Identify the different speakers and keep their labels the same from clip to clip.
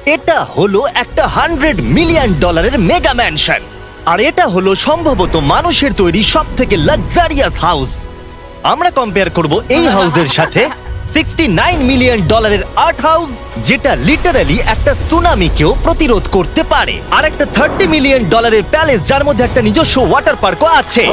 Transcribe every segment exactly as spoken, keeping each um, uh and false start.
Speaker 1: এটা হলো একটা হান্ড্রেড মিলিয়ন ডলারের মেগা ম্যানশন, আর এটা হলো সম্ভবত মানুষের তৈরি সব থেকে লাক্সারিয়াস হাউস। আমরা কম্পেয়ার করব এই হাউসের সাথে সিক্সটি নাইন মিলিয়ন ডলারের আর্ট হাউস, যেটা লিটারালি একটা সুনামিকেও প্রতিরোধ করতে পারে, আর একটা থার্টি মিলিয়ন ডলারের প্যালেস যার মধ্যে একটা নিজস্ব ওয়াটার পার্কও আছে।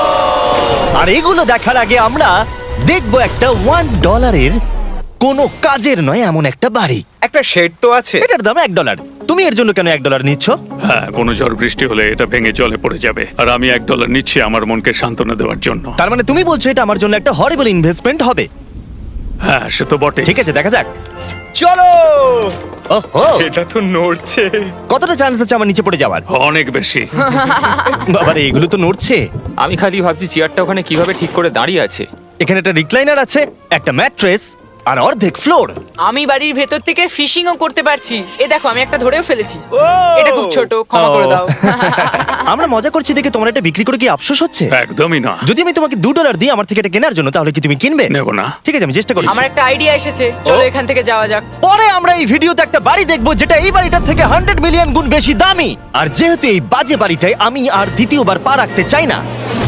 Speaker 1: আর এগুলো দেখার আগে আমরা দেখবো একটা ওয়ান ডলারের কোনো কাজের নয় এমন একটা বাড়ি।
Speaker 2: একটা শেড তো আছে।
Speaker 1: এটার দাম এক ডলার। তুমি এর জন্য কেন এক ডলার নিচ্ছ?
Speaker 3: হ্যাঁ, কোনো ঝড় বৃষ্টি হলে এটা ভেঙে জলে পড়ে যাবে, আর আমি এক ডলার নিচ্ছি আমার মনকে সান্ত্বনা দেওয়ার জন্য।
Speaker 1: তার মানে তুমি বলছো এটা আমার জন্য একটা হরিবল ইনভেস্টমেন্ট হবে?
Speaker 3: হ্যাঁ, সে তো বটে।
Speaker 1: ঠিক আছে, দেখা যাক।
Speaker 2: চলো।
Speaker 1: ওহো,
Speaker 2: এটা তো নড়ছে।
Speaker 1: কতটা চান্স আছে আমার নিচে পড়ে যাওয়ার?
Speaker 3: অনেক বেশি।
Speaker 1: বাবারে, এগুলো তো নড়ছে।
Speaker 4: আমি খালি ভাবছি চেয়ারটা ওখানে কিভাবে ঠিক করে দাঁড়িয়ে আছে।
Speaker 1: এখানে একটা রিক্লাইনার আছে, একটা ম্যাট্রেস, আর অর্ধেক ফ্লোর।
Speaker 5: আমি বাড়ির ভেতর থেকে ফিশিংও করতে পারছি। এ দেখো, আমি একটা ধরেও ফেলেছি। এটা খুব ছোট, ক্ষমা করে দাও।
Speaker 1: আমরা মজা করছি দেখে তোমার এটা বিক্রি করে কি আফসোস হচ্ছে?
Speaker 3: একদমই না।
Speaker 1: যদি আমি তোমাকে দু ডলার দিই আমার থেকে এটা কেনার জন্য, তাহলে কি তুমি কিনবে?
Speaker 3: নেব না।
Speaker 1: ঠিক আছে, আমি চেষ্টা করি।
Speaker 5: আমার একটা আইডিয়া এসেছে, চলো এখান থেকে যাওয়া যাক।
Speaker 1: পরে আমরা এই ভিডিওতে একটা বাড়ি দেখবো যেটা এই বাড়িটার থেকে হান্ড্রেড মিলিয়ন গুণ বেশি দামি। আর যেহেতু এই বাজে বাড়িটায় আমি আর দ্বিতীয়বার পা রাখতে চাই না,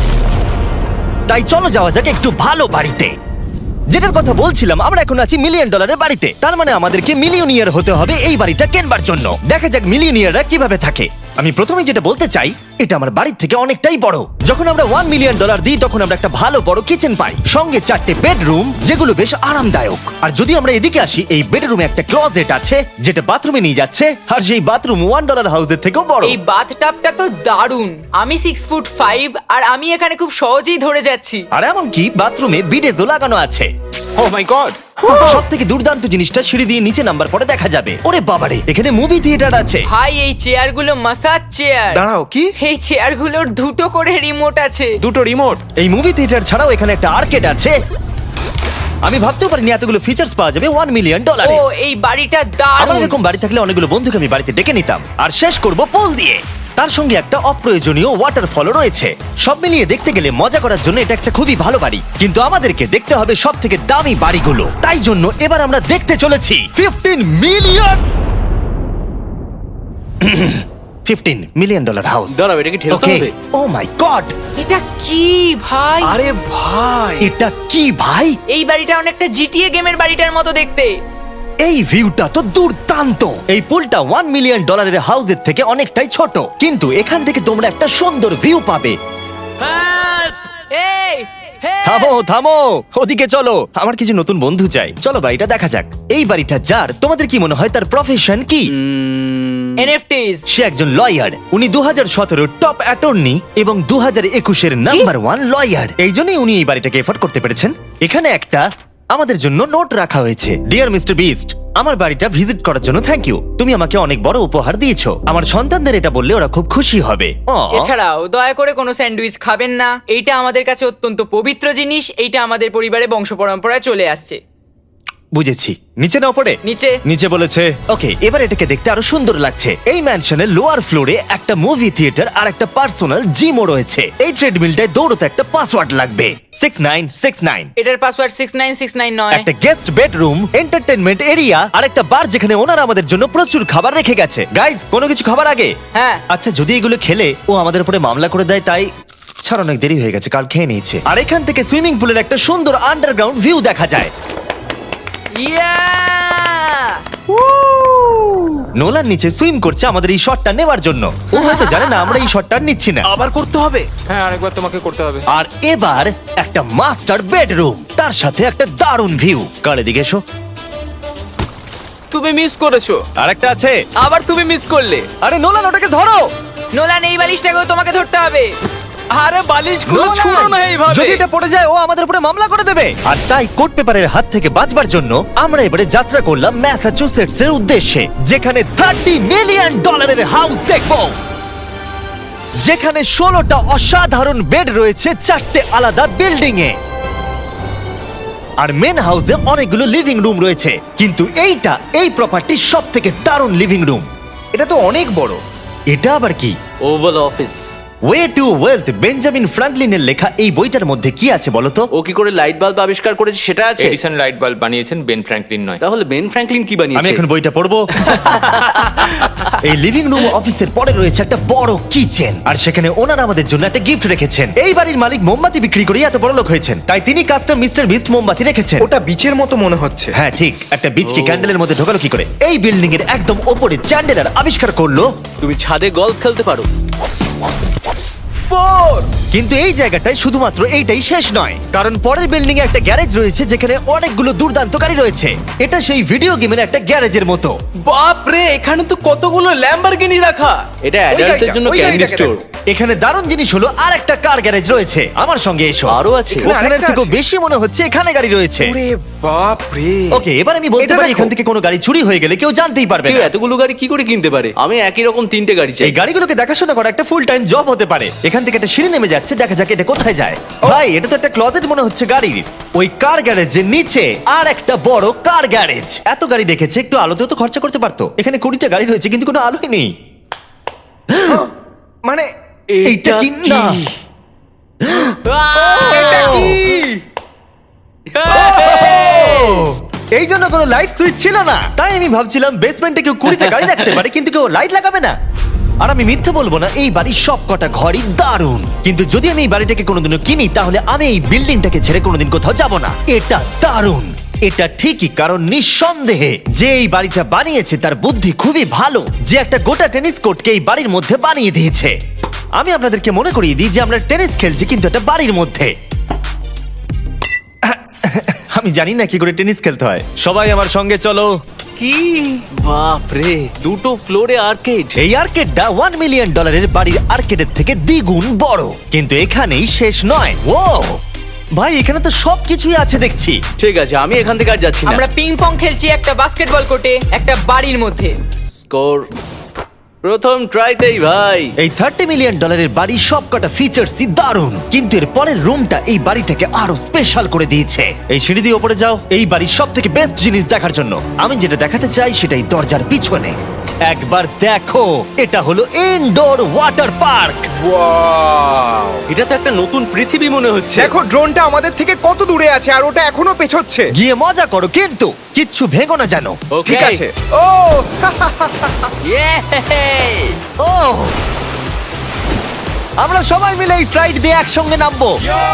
Speaker 1: তাই চলো যাওয়া যাক একটু ভালো বাড়িতে। যেটার কথা বলছিলাম, আমরা এখন আছি মিলিয়ন ডলারের বাড়িতে। তার মানে আমাদেরকে মিলিয়নিয়ার হতে হবে এই বাড়িটা কেনবার জন্য। দেখা যাক মিলিয়নিয়াররা কিভাবে থাকে। আমি প্রথমে যেটা বলতে চাই, এটা আমার বাড়ির থেকে অনেকটাই বড়। যখন আমরা ওয়ান মিলিয়ন ডলার দিই তখন আমরা একটা ভালো বড় কিচেন পাই, সঙ্গে চারটে বেডরুম যেগুলো বেশ আরামদায়ক। আর যদি আমরা এদিকে আসি, এই বেডরুমে একটা ক্লোজেট আছে যেটা বাথরুমে নিয়ে যাচ্ছে, আর সেই বাথরুম ওয়ান ডলার হাউসের থেকেও বড়।
Speaker 5: এই বাথটাবটা তো দারুণ। আমি সিক্স ফুট ফাইভ আর আমি এখানে খুব সহজেই ধরে যাচ্ছি।
Speaker 1: আর এমনকি বাথরুমে বিডেজও লাগানো আছে।
Speaker 4: Oh my God!
Speaker 1: সব থেকে দুর্দান্ত জিনিসটা সিঁড়ি দিয়ে নিচে নাম্বার পরে দেখা যাবে। ওরে বাবারে, এখানে মুভি থিয়েটার আছে।
Speaker 5: ভাই, এই চেয়ারগুলো মাসাজ চেয়ার।
Speaker 2: দাঁড়াও, কি?
Speaker 5: এই চেয়ারগুলোর দুটো করে রিমোট আছে।
Speaker 4: দুটো রিমোট?
Speaker 1: এই মুভি থিয়েটার ছাড়াও এখানে একটা আর্কেড আছে। আমি ভাবতেও পারিনি এতগুলো ফিচার্স পাওয়া যাবে ওয়ান মিলিয়ন ডলারে।
Speaker 5: ও, এই বাড়িটা
Speaker 1: আমার
Speaker 5: দারুণ।
Speaker 1: এরকম বাড়ি থাকলে অনেকগুলো বন্ধুকে আমি বাড়িতে ডেকে নিতাম। আর শেষ করব পুল দিয়ে। তার সঙ্গে একটা অপ্রয়োজনীয় ওয়াটারফলও রয়েছে। সব মিলিয়ে দেখতে গেলে মজা করার জন্য এটা একটা খুবই ভালো বাড়ি, কিন্তু আমাদেরকে দেখতে হবে সব থেকে দামি বাড়িগুলো। তাই জন্য এবার আমরা দেখতে চলেছি fifteen million fifteen million dollar house.
Speaker 2: দাঁড়াও, এটা কি ঠেলতে হবে?
Speaker 1: ও মাই গড,
Speaker 5: এটা কি ভাই?
Speaker 2: আরে ভাই,
Speaker 1: এটা কি ভাই?
Speaker 5: এই বাড়িটা অনেকটা জিটিএ গেমের বাড়িটার মতো দেখতে।
Speaker 1: এই ভিউটা তো দুর্দান্ত। এই পুলটা ওয়ান মিলিয়ন ডলারের হাউসের থেকে অনেকটাই ছোট, কিন্তু এখান থেকে তোমরা একটা সুন্দর ভিউ পাবে।
Speaker 5: এই, হে!
Speaker 1: থামো থামো, ওদিকে চলো। আমার কিছু নতুন বন্ধু চাই। চলো বাড়িটা দেখা যাক। এই বাড়িটা যার, তোমাদের কি মনে হয় তার প্রফেশন কি?
Speaker 5: এনএফটিস।
Speaker 1: সে একজন লয়ার। উনি দু হাজার সতেরো টপ অ্যাটর্নি এবং দু হাজার একুশের নাম্বার ওয়ান লয়ার। এই জন্যই উনি এই বাড়িটাকে এফোর্ড করতে পেরেছেন। এখানে একটা আমাদের জন্য নোট রাখা হয়েছে। ডিয়ার মিস্টার বিস্ট, আমার বাড়িটা ভিজিট করার জন্য থ্যাংক ইউ। তুমি আমাকে অনেক বড় উপহার দিয়েছো। আমার সন্তানদের এটা বললে ওরা খুব খুশি হবে। Aw.
Speaker 5: এছাড়াও দয়া করে কোনো স্যান্ডউইচ খাবেন না। এইটা আমাদের কাছে অত্যন্ত পবিত্র জিনিস। এইটা আমাদের পরিবারে বংশ পরম্পরায় চলে আসছে।
Speaker 1: বুঝেছি। নিচে নাও পড়ে।
Speaker 5: নিচে।
Speaker 1: নিচে বলেছে। ওকে, এবার এটাকে দেখতে আরো সুন্দর লাগছে। এই ম্যানশনের লোয়ার ফ্লোরে একটা মুভি থিয়েটার আর একটা পার্সোনাল জিমও রয়েছে। এই ট্রেডমিলটায় দৌড়তে একটা পাসওয়ার্ড লাগবে, সিক্স নাইন সিক্স নাইন।
Speaker 5: এটার password six nine six nine নয়।
Speaker 1: একটা গেস্ট বেডরুম, এন্টারটেইনমেন্ট এরিয়া আর একটা বার যেখানে ওনারা আমাদের জন্য প্রচুর খাবার রেখে গেছে। গাইজ, কোনো কিছু খাবার আগে?
Speaker 5: হ্যাঁ।
Speaker 1: আচ্ছা, যদি এগুলো খেলে ও আমাদের উপরে মামলা করে দেয়, তাই ছাড়, অনেক দেরি হয়ে গেছে, কাল খেয়ে নিয়েছে। আর এখান থেকে সুইমিং পুলের একটা সুন্দর আন্ডারগ্রাউন্ড ভিউ দেখা যায়।
Speaker 5: ইয়া!
Speaker 1: নোলান নিচে সুইম করছে আমাদের এই শটটা নেবার জন্য। ও হয়তো জানে না আমরা এই শটটা নিচ্ছি না।
Speaker 2: আবার করতে হবে?
Speaker 4: হ্যাঁ, আরেকবার তোমাকে করতে হবে।
Speaker 1: আর এবার একটা মাস্টার বেডরুম, তার সাথে একটা দারুণ ভিউ। কাল এদিকে এসো।
Speaker 2: তুমি মিস করেছো।
Speaker 1: আর একটা আছে।
Speaker 2: আবার তুমি মিস করলে।
Speaker 1: আরে নোলান, ওটাকে ধরো।
Speaker 5: নোলান, এই বালিশটাকেও তোমাকে ধরতে হবে।
Speaker 2: আরে বালিশগুলো
Speaker 1: নোলান!
Speaker 2: ছুঁড়ো না এইভাবে।
Speaker 1: যদি এটা পড়ে যায় ও আমাদের উপরে মামলা করে দেবে। আর তাই কোর্ট পেপারের হাত থেকে বাঁচবার জন্য আমরা এবারে যাত্রা করলাম ম্যাসাচুসেটস এর উদ্দেশ্যে, যেখানে থার্টি মিলিয়ন ডলারের হাউস দেখবো, যেখানে ষোলোটা অসাধারণ বেড রয়েছে চারটে আলাদা বিল্ডিং এ। আর মেন হাউসে অনেকগুলো লিভিং রুম রয়েছে, কিন্তু এইটা এই প্রপার্টির সব থেকে দারুণ লিভিং রুম।
Speaker 2: এটা তো অনেক বড়।
Speaker 1: এটা আবার কি?
Speaker 6: Oval Office.
Speaker 1: Way to wealth Benjamin ফ্রাঙ্কলিনের লেখা এই বইটার মধ্যে কি আছে বলো তো?
Speaker 2: ও কি করে লাইট বাল্ব আবিষ্কার করেছে সেটা আছে?
Speaker 4: এডিসন লাইট বাল্ব বানিয়েছেন, বেন ফ্র্যাঙ্কলিন নয়।
Speaker 2: তাহলে বেন ফ্র্যাঙ্কলিন কি
Speaker 1: আমি
Speaker 2: বানিয়েছে?
Speaker 1: এখন বইটা পড়বো। এই লিভিং রুম অফিসের পরে রয়েছে একটা বড় কিচেন, আর সেখানে ওনারা আমাদের জন্য একটা গিফট রেখেছেন। এই বাড়ির মালিক মোমবাতি বিক্রি করে এত বড় লোক হয়েছেন, তাই তিনি কাস্টম মিস্টার বিস্ট মোমবাতি রেখেছেন।
Speaker 6: ওটা বিচের মতো মনে হচ্ছে।
Speaker 1: হ্যাঁ ঠিক, একটা বীজকে ক্যান্ডেলের মধ্যে ঢোকালো কি করে? এই বিল্ডিং এর একদম ওপরে চ্যান্ডেলার আবিষ্কার করলো।
Speaker 2: তুমি ছাদে গলফ খেলতে পারো। ফোর
Speaker 1: কিন্তু এই জায়গাটায় শুধুমাত্র এইটাই শেষ নয়, কারণ পরের বিল্ডিং এ একটা গ্যারেজ রয়েছে যেখানে অনেকগুলো দুর্দান্ত গাড়ি রয়েছে। এটা সেই ভিডিও গেমের একটা গ্যারেজের মতো।
Speaker 2: বাপ রে, এখানে তো কতগুলো ল্যাম্বরগিনি রাখা। এটা অ্যাডাল্টদের
Speaker 6: গাড়িটা,
Speaker 2: জন্য
Speaker 6: ওই
Speaker 2: ক্যান্ডি
Speaker 6: গাড়িটাকে
Speaker 2: স্টোর।
Speaker 1: এখানে দারুণ জিনিস হলো আর একটা কার গ্যারেজ রয়েছে। আমার সঙ্গে এসো।
Speaker 2: আরো আছে?
Speaker 6: এখানে
Speaker 1: ওখানের
Speaker 6: আরেকটা
Speaker 1: থেকেও
Speaker 6: আছে?
Speaker 1: বেশি মনে হচ্ছে এখানে গাড়ি রয়েছে।
Speaker 6: ওরে বাপ রে।
Speaker 1: ওকে, এবার আমি বলতে
Speaker 6: এটা
Speaker 1: পারি
Speaker 6: দেখো।
Speaker 1: এখান থেকে কোনো গাড়ি চুরি হয়ে গেলে কেউ জানতেই পারবে
Speaker 2: কেউ
Speaker 1: না।
Speaker 2: এতগুলো গাড়ি কি করে কিনতে পারে? আমি একই রকম তিনটে গাড়ি চাই।
Speaker 1: এই গাড়িগুলোকে দেখাশোনা করা একটা ফুল টাইম জব হতে পারে। এখান থেকে একটা সিঁড়ি নেমে যাচ্ছে, দেখা যাক এটা কোথায় যায়। ভাই, এটা তো একটা ক্লজেট মনে হচ্ছে গাড়ির। ওই কার গ্যারেজের নিচে আর একটা বড় কার গ্যারেজ। এত গাড়ি দেখেছে, একটু আলোতেও তো খরচা করতে পারতো। এখানে কুড়িটা গাড়ি রয়েছে কিন্তু কোনো আলোই নেই।
Speaker 6: মানে
Speaker 1: এইটা কি না?
Speaker 6: এটা কি?
Speaker 1: এই জন্য কোনো লাইট সুইচ ছিল না, তাই আমি ভাবছিলাম বেসমেন্টে কেউ কুড়িটা গাড়ি রাখতে পারে কিন্তু কেউ লাইট লাগাবে না। আর আমি মিথ্যে বলবো না, এই বাড়ির সব কটা ঘরই দারুণ। কিন্তু যদি আমি এই বাড়িটাকে কোনোদিনও কিনি তাহলে আমি এই বিল্ডিংটাকে ছেড়ে কোনোদিন কোথাও যাব না। এটা দারুণ। এটা ঠিকই, কারণ নিঃসন্দেহে যে এই বাড়িটা বানিয়েছে তার বুদ্ধি খুবই ভালো, যে একটা গোটা টেনিস কোর্টকে এই বাড়ির মধ্যে বানিয়ে দিয়েছে। আমি আপনাদেরকে মনে করিয়ে দিই যে আমরা টেনিস খেলছি কিন্তু একটা বাড়ির মধ্যে। আমি জানি না কি করে টেনিস খেলতে হয়। সবাই আমার সঙ্গে চলো।
Speaker 2: কি বাপ রে, দুটো ফ্লোরে আর্কেড।
Speaker 1: এই আর্কেডটা ওয়ান মিলিয়ন ডলারের বাড়ির আর্কেডের থেকে দ্বিগুণ বড়। কিন্তু এখানেই শেষ নয়। ও ভাই, এখানে তো সবকিছুই আছে দেখছি।
Speaker 2: ঠিক আছে, আমি এখান থেকে আর যাচ্ছি না।
Speaker 5: আমরা পিং পং খেলছি একটা বাস্কেটবল কোর্টে, একটা বাড়ির মধ্যে।
Speaker 2: স্কোর প্রথম ট্রাইতেই ভাই।
Speaker 1: এই থার্টি মিলিয়ন ডলারের বাড়ির সবকটা ফিচার্সই দারুণ, কিন্তু এর পরের রুমটা এই বাড়িটাকে আরো স্পেশাল করে দিয়েছে। এই সিঁড়ি দিয়ে উপরে যাও এই বাড়ির সব থেকে বেস্ট জিনিস দেখার জন্য। আমি যেটা দেখাতে চাই সেটাই দরজার পিছনে। একবার দেখো, এটা হলো ইনডোর ওয়াটার পার্ক।
Speaker 6: ওয়াও।
Speaker 2: এটা তো একটা নতুন পৃথিবী মনে হচ্ছে।
Speaker 6: দেখো ড্রোনটা আমাদের থেকে কত দূরে আছে আর ওটা এখনো পেছচ্ছে।
Speaker 1: গিয়ে মজা করো, কিন্তু কিচ্ছু ভেঙো না জানো।
Speaker 2: Okay.
Speaker 6: ঠিক আছে। ও
Speaker 2: Yay!
Speaker 1: ও, আমরা সবাই মিলে এই ফ্লাইট দিয়ে একসঙ্গে নামবো।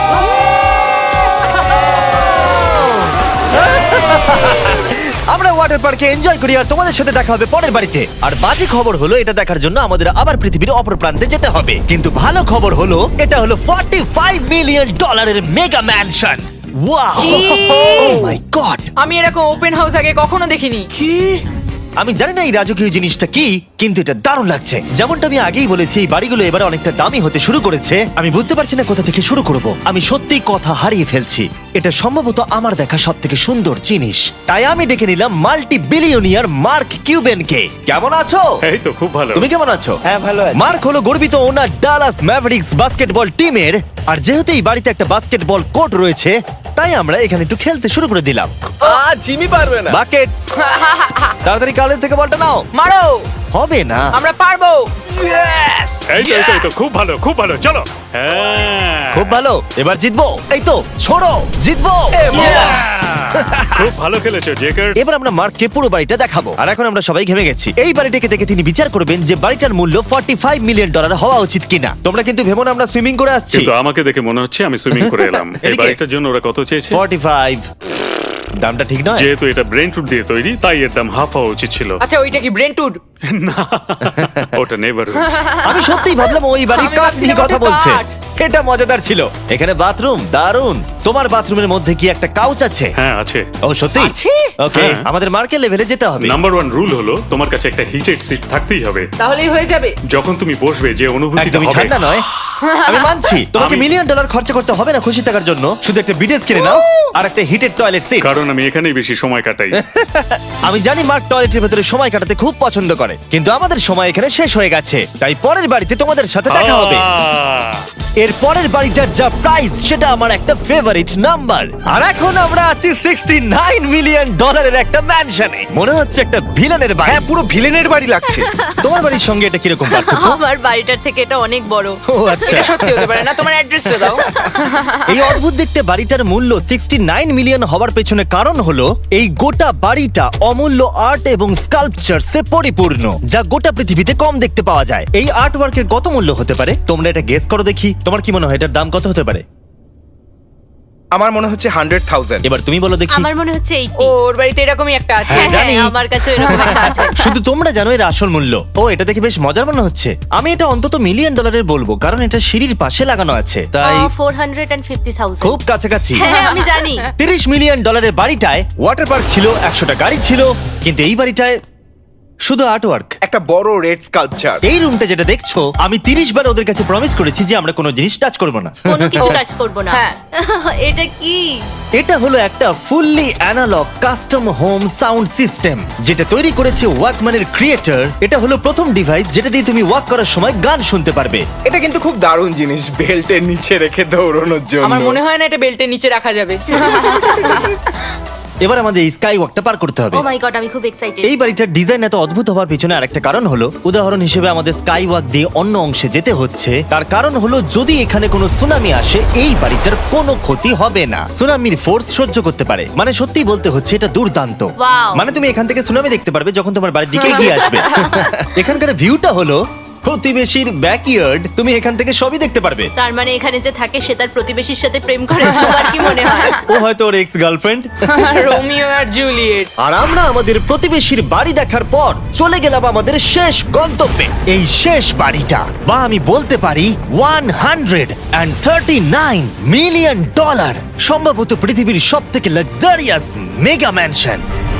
Speaker 1: আমরা ওয়াটার পার্কে এনজয় করি আর তোমাদের সাথে দেখা হবে পরের বাড়িতে। আর বাজে খবর হলো, এটা দেখার জন্য আমাদের আবার পৃথিবীর অপর প্রান্তে যেতে হবে। কিন্তু ভালো খবর হলো, এটা হলো ফর্টি ফাইভ মিলিয়ন ডলারের mega mansion. Wow, oh my god!
Speaker 5: আমি এরকম ওপেন হাউস আগে কখনো দেখিনি।
Speaker 1: আমি জানি না এই রাজকীয় জিনিসটা কি, কিন্তু এটা দারুণ লাগছে। যেমনটা আমি আগেই বলেছি, এই বাড়িগুলো এবার অনেকটা দামি হতে শুরু করেছে। আমি বুঝতে পারছি না কোথা থেকে শুরু করব। আমি সত্যি কথা হারিয়ে ফেলছি। এটা সম্ভবত আমার দেখা সব থেকে সুন্দর জিনিস। তাই আমি ডেকে নিলাম মাল্টি বিলিয়নিয়ার মার্ক কিউবেনকে। কেমন আছো?
Speaker 3: এই তো খুব ভালো।
Speaker 1: তুমি কেমন আছো?
Speaker 6: হ্যাঁ, ভালো আছি।
Speaker 1: মার্ক হলো গর্বিত ওনার ডালাস ম্যাভরিক্স বাস্কেটবল টিমের। আর যেহেতু এই বাড়িতে একটা বাস্কেটবল কোর্ট রয়েছে, তাই আমরা এখানে একটু খেলতে শুরু করে দিলাম।
Speaker 2: আ জিমি পারবে না।
Speaker 1: বাকেট, তাড়াতাড়ি কালের থেকে বলটা নাও।
Speaker 5: মারো,
Speaker 1: হবে না।
Speaker 5: আমরা পারবো।
Speaker 3: এই তো এই তো, এই তো খুব ভালো খুব ভালো, চলো। হ্যাঁ
Speaker 1: খুব ভালো, এবার জিতবো। এই তো ছোড়ো, জিতবো।
Speaker 3: খুব ভালো খেলেছো জেকার।
Speaker 1: এবার আমরা মার্ককে পুরো বাড়িটা দেখাবো। আর এখন আমরা সবাই ঘেমে গেছি। এই বাড়িটাকে দেখে তিনি বিচার করবেন যে বাড়িটার মূল্য ফর্টি ফাইভ মিলিয়ন ডলার হওয়া উচিত কিনা। তোমরা কিন্তু ভেবো না আমরা সুইমিং করে আসছি।
Speaker 3: কিন্তু আমাকে দেখে মনে হচ্ছে আমি সুইমিং করে এলাম। এই
Speaker 1: এদিকে।
Speaker 3: বাড়িটার জন্য ওরা কত চেয়েছে?
Speaker 1: Forty five. দামটা ঠিক নয়।
Speaker 3: যেহেতু এটা ব্রেন টুড দিয়ে তৈরি, তাই এর দাম হাফ হওয়া উচিত ছিল।
Speaker 5: আচ্ছা, ওইটা কি ব্রেন্টুড?
Speaker 3: ওটা নেভার।
Speaker 1: আমি সত্যিই ভাবলাম ওই বাড়ির
Speaker 5: আমি
Speaker 1: কাঠ নিয়ে
Speaker 5: ভাবছিলাম
Speaker 1: কথা
Speaker 5: ওটা
Speaker 1: বলছে।
Speaker 5: কাঠ।
Speaker 1: এটা মজাদার ছিল। এখানে বাথরুম দারুণ। তোমার বাথরুমের মধ্যে কি একটা কাউচ আছে?
Speaker 3: হ্যাঁ আছে।
Speaker 1: ও সত্যি?
Speaker 5: আছে?
Speaker 1: ওকে,
Speaker 3: হ্যাঁ।
Speaker 1: আমাদের মার্কেট লেভেলে যেতে হবে।
Speaker 3: নাম্বার ওয়ান রুল হলো তোমার কাছে একটা হিটেড সিট থাকতেই হবে।
Speaker 5: তাহলেই হয়ে যাবে।
Speaker 3: যখন তুমি বসবে যে অনুভূতিটা
Speaker 1: একদমই
Speaker 3: হবে।
Speaker 1: ঠান্ডা নয়। আমি মানছি তোমাকে
Speaker 3: আমি-
Speaker 1: মিলিয়ন ডলার খরচা করতে হবে না খুশি থাকার জন্য। শুধু একটা বিডেস কিনে নাও আর একটা হিটেড টয়লেট সিট।
Speaker 3: কারণ আমি এখানেই বেশি সময় কাটাই।
Speaker 1: আমি জানি মার্ক টয়লেটের ভেতরে সময় কাটাতে খুব পছন্দ করে, কিন্তু আমাদের সময় এখানে শেষ হয়ে গেছে। তাই পরের বাড়িতে তোমাদের সাথে দেখা হবে।
Speaker 3: আহ!
Speaker 1: এর পরের বাড়িটার যা প্রাইস সেটা আমার একটা ফেভারিট। Favourite number. আর এখন আমরা আছি সিক্সটি নাইন মিলিয়ন ডলারের একটা ম্যানশনে। মনে হচ্ছে একটা ভিলেনের বাড়ি।
Speaker 6: হ্যাঁ, পুরো ভিলেনের বাড়ি লাগছে।
Speaker 1: তোমার বাড়ির সঙ্গে এটা কিরকম পার্থক্য?
Speaker 7: আমার বাড়িটার থেকে এটা অনেক বড়।
Speaker 1: ও আচ্ছা।
Speaker 5: এটা সত্যি হতে পারে না, তোমার অ্যাড্রেসটা দাও।
Speaker 1: এই অদ্ভুত দেখতে বাড়িটার মূল্য সিক্সটি নাইন মিলিয়ন হওয়ার পেছনে কারণ হলো এই গোটা বাড়িটা অমূল্য আর্ট এবং স্কাল্পচারসে পরিপূর্ণ, যা গোটা পৃথিবীতে কম দেখতে পাওয়া যায়। এই আর্ট ওয়ার্কের কত মূল্য হতে পারে তোমরা এটা গেস করো দেখি। তোমার কি মনে হয় এটার দাম কত হতে পারে?
Speaker 6: আমার মনে হচ্ছে হান্ড্রেড থাউজেন্ড।
Speaker 1: এবার তুমি বলো দেখি।
Speaker 7: আমার মনে হচ্ছে এইটি।
Speaker 5: ওর বাড়িতে এরকমই একটা আছে।
Speaker 1: হ্যাঁ, জানি।
Speaker 7: আমার কাছে এরকম একটা আছে।
Speaker 1: শুধু তোমরা জানো এর আসল মূল্য। ও, এটা দেখে বেশ মজার মনে হচ্ছে। আমি এটা অন্তত মিলিয়ন ডলারের বলবো, কারণ এটা সিঁড়ির পাশে লাগানো আছে, তাই
Speaker 7: ফোর হান্ড্রেড ফিফটি থাউজেন্ড।
Speaker 1: খুব কাছাকাছি।
Speaker 7: হ্যাঁ, আমি জানি।
Speaker 1: তিরিশ মিলিয়ন ডলারের বাড়িটায় ওয়াটার পার্ক ছিল, একশোটা গাড়ি ছিল, কিন্তু এই বাড়িটায় শুধু আর্ট ওয়ার্ক।
Speaker 6: একটা বড় রেড স্কাল্পচার।
Speaker 1: এই রুমটা যেটা দেখছো, আমি তিরিশ বার ওদের কাছে প্রমিস করেছি যে আমরা কোনো জিনিস টাচ করবো না।
Speaker 7: কোনো কিছু টাচ করব না।
Speaker 5: হ্যাঁ।
Speaker 7: এটা কি?
Speaker 1: এটা হলো একটা fully analog custom home sound system, যেটা তৈরি করেছে ওয়াকম্যানের ক্রিয়েটর। এটা হলো প্রথম ডিভাইস যেটা দিয়ে তুমি ওয়াক করার সময় গান শুনতে পারবে।
Speaker 6: এটা কিন্তু খুব দারুণ জিনিস, বেল্টের নিচে রেখে দৌড়ানোর জন্য।
Speaker 5: আমার মনে হয় না এটা বেল্টের নিচে রাখা যাবে।
Speaker 1: এবার আমাদের এই স্কাই ওয়াকটা পার করতে হবে।
Speaker 7: ও মাই গড, আমি খুব এক্সাইটেড।
Speaker 1: এই বাড়িটার ডিজাইন এত অদ্ভুত হওয়ার পিছনে আরেকটা কারণ হলো, উদাহরণ হিসেবে আমাদের স্কাই ওয়াক দিয়ে অন্য অংশে যেতে হচ্ছে। তার কারণ হলো যদি এখানে কোনো সুনামি আসে এই বাড়িটার কোনো ক্ষতি হবে না। সুনামির ফোর্স সহ্য করতে পারে, মানে সত্যি বলতে হচ্ছে এটা দুর্দান্ত।
Speaker 7: Wow!
Speaker 1: মানে তুমি এখান থেকে সুনামি দেখতে পারবে যখন তোমার বাড়ির দিকে এগিয়ে আসবে। এখানকার ভিউটা হলো প্রতিবেশীর ব্যাকইয়ার্ড, তুমি এখান থেকে সবই দেখতে পারবে।
Speaker 7: তার মানে এখানে যে থাকে সে তার প্রতিবেশীর সাথে প্রেম করে, তোমার কি মনে হয়?
Speaker 1: ও হয়তো ওর এক্স গার্লফ্রেন্ড।
Speaker 5: রোমিও আর জুলিয়েট।
Speaker 1: আর আমরা আমাদের প্রতিবেশীর বাড়ি দেখার পর চলে গেলাম আমাদের শেষ গন্তব্যে। এই শেষ বাড়িটা, বা আমি বলতে পারি one hundred thirty nine million dollar, সম্ভবত পৃথিবীর সব থেকে লাক্সারিয়াস মেগা ম্যানশন।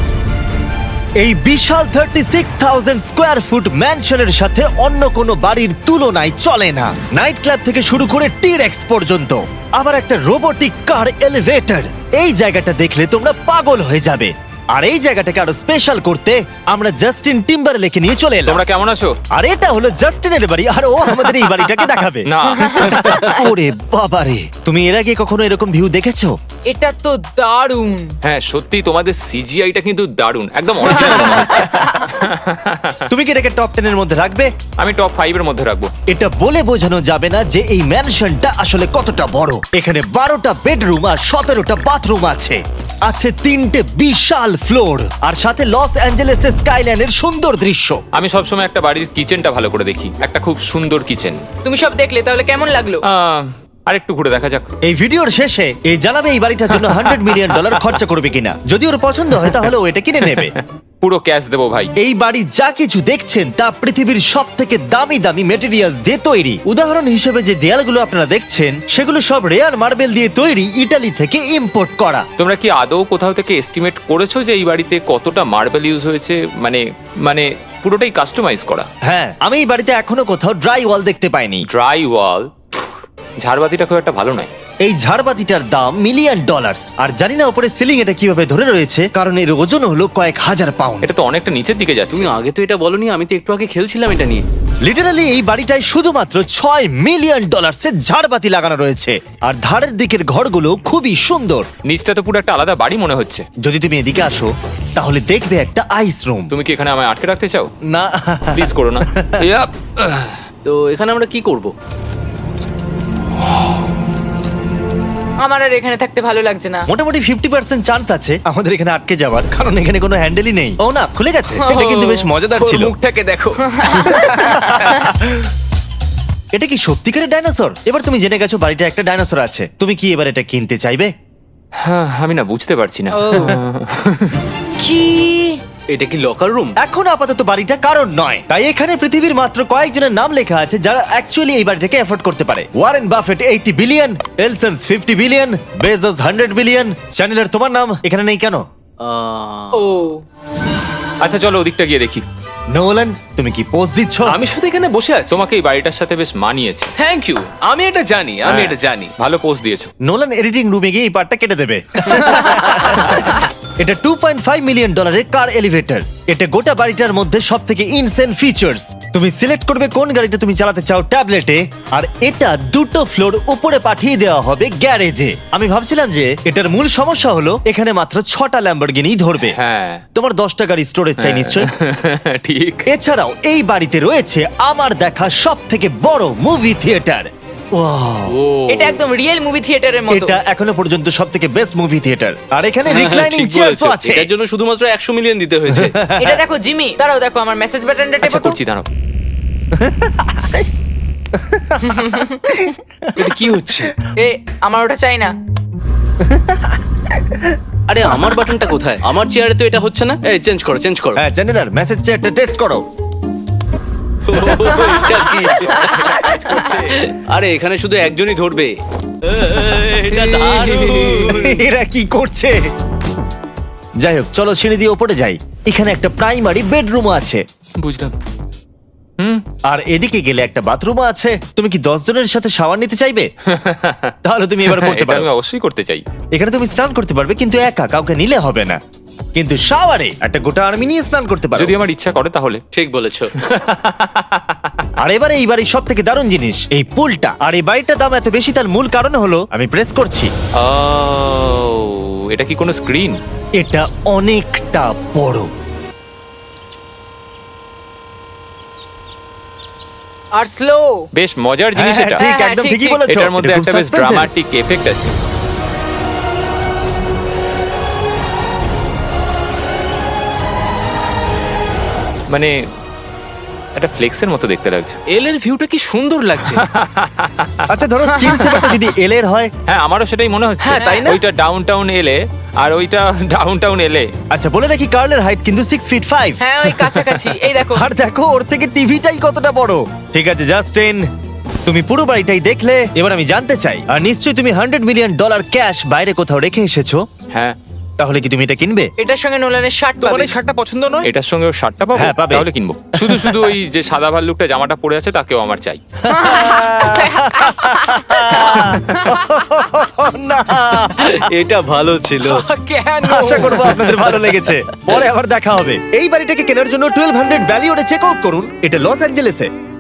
Speaker 1: এই বিশাল thirty six thousand square feet ম্যানশনের সাথে অন্য কোনো বাড়ির তুলনায় চলে না। নাইট ক্লাব থেকে শুরু করে টিরেক্স পর্যন্ত, আবার একটা রোবোটিক কার এলিভেটর। এই জায়গাটা দেখলে তোমরা পাগল হয়ে যাবে। আর এই জায়গাটাকে আরো স্পেশাল করতে আমরা জাস্টিন টিম্বারলেকে নিয়ে চলে এলাম।
Speaker 4: তোমরা কেমন আছো?
Speaker 1: আর এটা হলো জাস্টিনের বাড়ি, আর ও আমাদের এই বাড়িটাকে দেখাবে।
Speaker 4: না।
Speaker 1: ওরে বাবারে, তুমি এর আগে কখনো এরকম ভিউ দেখেছো?
Speaker 5: এটা তো দারুণ।
Speaker 4: হ্যাঁ সত্যি তোমাদের সিজিআইটা কিন্তু দারুণ, একদম অরিজিনাল মনে হচ্ছে।
Speaker 1: তুমি কি এটাকে টপ টেন এর মধ্যে রাখবে?
Speaker 4: আমি টপ ফাইভ এর মধ্যে রাখবো।
Speaker 1: এটা বলে বোঝানো যাবে না যে এই ম্যানশনটা আসলে কতটা বড়। এখানে বারোটা বেডরুম আর সতেরোটা বাথরুম আছে, আছে তিনটে বিশাল ফ্লোর, আর সাথে লস অ্যাঞ্জেলেসের স্কাইল্যান্ডের সুন্দর দৃশ্য।
Speaker 4: আমি সবসময় একটা বাড়ির কিচেনটা ভালো করে দেখি, একটা খুব সুন্দর কিচেন।
Speaker 5: তুমি সব দেখলে, তাহলে কেমন লাগলো?
Speaker 4: আর একটু ঘুরে দেখা যাক।
Speaker 1: এই ভিডিওর শেষে এই জানাবে এই বাড়িটার জন্য হান্ড্রেড মিলিয়ন ডলার খরচা করবে কিনা। যদি ওর পছন্দ হয় তাহলে ও এটা কিনে নেবে।
Speaker 4: পুরো ক্যাশ দেবো ভাই।
Speaker 1: এই বাড়ির যা কিছু দেখছেন তা পৃথিবীর সব থেকে দামি দামি মেটেরিয়ালস দিয়ে তৈরি। উদাহরণ হিসেবে যে দেয়ালগুলো আপনারা দেখছেন সেগুলো সব রেয়ার মার্বেল দিয়ে তৈরি, ইটালি থেকে ইম্পোর্ট করা।
Speaker 4: তোমরা কি আদৌ কোথাও থেকে এস্টিমেট করেছো যে এই বাড়িতে কতটা মার্বেল ইউজ হয়েছে? মানে মানে পুরোটাই কাস্টমাইজ করা।
Speaker 1: হ্যাঁ, আমি এই বাড়িতে এখনো কোথাও ড্রাই ওয়াল দেখতে পাইনি।
Speaker 4: ড্রাই ওয়াল, ঝাড়বাতিটা খুব একটা ভালো নয়।
Speaker 1: এই ঝাড়বাতিটার দাম মিলিয়ন ডলার, আর জানি না উপরে সিলিং এটা কিভাবে ধরে রয়েছে, কারণ এর ওজন হলো কয়েক হাজার পাউন্ড।
Speaker 4: এটা তো অনেকটা নিচের দিকে যাচ্ছে।
Speaker 2: তুমি আগে তো এটা বলনি, আমি তো একটু আগে খেলছিলাম এটা নিয়ে।
Speaker 1: লিটারালি এই বাড়িটায় শুধুমাত্র ছয় মিলিয়ন ডলার্সের ঝাড়বাতি লাগানো রয়েছে, আর ধারের দিকের ঘরগুলো খুবই সুন্দর।
Speaker 4: নিচটা তো পুরো একটা আলাদা বাড়ি মনে হচ্ছে।
Speaker 1: যদি তুমি এদিকে আসো তাহলে দেখবে একটা আইস রুম।
Speaker 4: তুমি কি এখানে আমায় আটকে রাখতে চাও?
Speaker 1: না,
Speaker 4: প্লিজ করো না। ইয়াপ।
Speaker 2: তো এখানে আমরা কি করব?
Speaker 5: আমার আর এখানে থাকতে ভালো লাগছে না।
Speaker 1: মোটামুটি ফিফটি পার্সেন্ট চান্স আছে আমাদের এখানে আটকে যাওয়ার, কারণ এখানে কোনো হ্যান্ডেলই নেই। ও না, খুলে গেছে। এটা কিন্তু বেশ মজাদার
Speaker 6: ওর
Speaker 1: ছিল।
Speaker 6: মুখটাকে দেখো।
Speaker 1: এটা কি সত্যিকারের ডাইনোসর? এবার তুমি জেনে গেছো বাড়িটা একটা ডাইনোসর আছে। তুমি কি এবার এটা কিনতে চাইবে?
Speaker 4: হ্যাঁ, আমি না বুঝতে পারছি না।
Speaker 5: ও। কি?
Speaker 2: এটা কি লকার রুম?
Speaker 1: এখন আপাতত বাড়িটা কারণ নয়, তাই এখানে পৃথিবীর মাত্র কয়েকজনের নাম লেখা আছে যারা অ্যাকচুয়ালি এই বাড়িটাকে এফোর্ড করতে পারে। Warren Buffett eighty billion, Ellison's fifty billion, Bezos hundred billion. চ্যানেলের তোমার নাম এখানে নেই কেন?
Speaker 2: আহ,
Speaker 5: ও
Speaker 4: আচ্ছা চলো ওদিকটা গিয়ে দেখি।
Speaker 1: নোলান, তুমি কি পোজ দিচ্ছ?
Speaker 2: আমি শুধু এখানে বসে আছি।
Speaker 4: তোমাকে এই বাড়িটার সাথে বেশ মানিয়েছে।
Speaker 2: Thank you. আমি এটা জানি, আমি
Speaker 4: হ্যাঁ,
Speaker 2: এটা জানি।
Speaker 4: ভালো পোস্ট দিয়েছো।
Speaker 1: নোলান এডিটিং রুমে গিয়ে এই পার্টটা কেটে দেবে। এটা টু পয়েন্ট ফাইভ মিলিয়ন ডলারের কার এলিভেটর। এটা গোটা বাড়িটার মধ্যে সব থেকে ইনসেন ফিচার্স। তুমি সিলেক্ট করবে কোন গাড়িটা তুমি চালাতে চাও ট্যাবলেটে, আর এটা দুটো ফ্লোর উপরে পাঠিয়ে দেওয়া হবে গ্যারেজে। আমি ভাবছিলাম যে এটার মূল সমস্যা হলো এখানে মাত্র ছটা ল্যাম্বরগিনি ধরবে।
Speaker 4: হ্যাঁ
Speaker 1: তোমার দশটা গাড়ি স্টোরেজ চাই নিশ্চয়ই।
Speaker 4: ঠিক।
Speaker 1: এছাড়াও এই বাড়িতে রয়েছে আমার দেখা সব থেকে বড় মুভি থিয়েটার।
Speaker 5: এটা একদম রিয়েল মুভি থিয়েটারের মতো।
Speaker 1: এটা এখনো পর্যন্ত সব থেকে বেস্ট মুভি থিয়েটার। আর এখানে
Speaker 2: হ্যাঁ,
Speaker 1: রিক্লাইনিং
Speaker 2: ঠিক
Speaker 1: চেয়ারসও
Speaker 2: বলেছো।
Speaker 1: আছে।
Speaker 2: এটার জন্য শুধুমাত্র একশো মিলিয়ন দিতে হয়েছে।
Speaker 5: এটা দেখো জিমি, দাঁড়াও দেখো আমার মেসেজ বাটনটা
Speaker 4: আচ্ছা
Speaker 5: টেপো তো।
Speaker 4: করছি দাঁড়াও।
Speaker 2: এটা কি হচ্ছে?
Speaker 5: এ আমার ওটা চাই না।
Speaker 2: আরে আমার বাটনটা কোথায়? আমার চেয়ারে তো এটা হচ্ছে না। এই চেঞ্জ করো, চেঞ্জ করো।
Speaker 1: হ্যাঁ জেনারেল মেসেজ চেয়ারটা টেস্ট করো।
Speaker 2: এটা কি? আরে এখানে শুধু একজনই ধরবে। এটা দারুণ।
Speaker 1: এরা কি করছে? যাই হোক চলো সিঁড়ি দিয়ে ওপরে যাই। এখানে একটা প্রাইমারি বেডরুম আছে,
Speaker 4: বুঝলাম। হুম
Speaker 1: আর এদিকে গেলে একটা বাথরুমও আছে। তুমি কি দশ জনের সাথে শাওয়ার নিতে চাইবে? তাহলে তুমি এবার করতে
Speaker 4: এটা
Speaker 1: পারো।
Speaker 4: আমি অবশ্যই করতে চাই।
Speaker 1: এখানে তুমি স্নান করতে পারবে, কিন্তু একা, কাউকে নিলে হবে না। কিন্তু শাওয়ারে একটা গোটা আর্মি নিয়ে স্নান করতে পারো।
Speaker 4: যদি আমার ইচ্ছা করে তাহলে।
Speaker 2: ঠিক বলেছো।
Speaker 1: আর এবারে এই বাড়ির সব থেকে দারুণ জিনিস এই পুলটা। আর এই বাড়িটার দাম এত বেশি তার মূল কারণ হলো, আমি প্রেস করছি,
Speaker 4: ও এটা কি কোনো স্ক্রিন?
Speaker 1: এটা অনেকটা বড়।
Speaker 5: আর স্লো।
Speaker 4: বেশ মজার জিনিস
Speaker 1: হ্যাঁ,
Speaker 4: এটা।
Speaker 1: ঠিক
Speaker 5: হ্যাঁ,
Speaker 1: একদম
Speaker 5: ঠিক,
Speaker 1: ঠিকই
Speaker 5: ঠিক।
Speaker 1: বলেছো।
Speaker 4: এটার মধ্যে
Speaker 1: এটা খুব
Speaker 4: একটা বেশ
Speaker 1: suspense-এর।
Speaker 4: ড্রামাটিক এফেক্ট আছে। মানে একটা ফ্লেক্সের মতো দেখতে লাগছে।
Speaker 2: এল এর ভিউটা কি সুন্দর লাগছে।
Speaker 1: আচ্ছা ধরো স্ক্রিন সেভারটা যদি এল এর হয়।
Speaker 4: হ্যাঁ আমারও সেটাই মনে হচ্ছে।
Speaker 2: হ্যাঁ, তাই না?
Speaker 4: ওইটা ডাউন টাউন এলে আর ওইটা ডাউন টাউন এলে।
Speaker 1: আচ্ছা বলে রাখি কার্লের হাইট কিন্তু সিক্স ফিট ফাইভ।
Speaker 5: হ্যাঁ ওই কাছাকাছি। এই দেখো।
Speaker 1: আর দেখো ওর থেকে টিভিটাই কতটা বড়। ঠিক আছে জাস্টিন, তুমি পুরো বাড়িটাই দেখলে। এবার আমি জানতে চাই, আর নিশ্চয়ই তুমি হান্ড্রেড মিলিয়ন ডলার ক্যাশ বাইরে কোথাও রেখে এসেছো,
Speaker 4: হ্যাঁ
Speaker 1: তাহলে কি তুমি এটা কিনবে?
Speaker 5: এটার সঙ্গে নোলানের শার্ট
Speaker 2: তোমার
Speaker 5: পাবে।
Speaker 2: এই শার্টটা পছন্দ নয়?
Speaker 4: এটার সঙ্গে ওর শার্টটা পাবো,
Speaker 1: হ্যাঁ, পাবে।
Speaker 4: তাহলে কিনবো। শুধু শুধু ওই যে সাদা ভাল্লুকটা জামাটা পরে আছে তাকেও আমার চাই।
Speaker 1: না,
Speaker 2: এটা ভালো ছিল।
Speaker 5: কেন?
Speaker 1: আশা করবো আপনাদের ভালো লেগেছে। পরে আবার দেখা হবে। এই বাড়িটাকে কেনার জন্য টুয়েলভ হান্ড্রেড ভ্যালিওরে চেক আউট করুন। এটা লস অ্যাঞ্জেলেসে।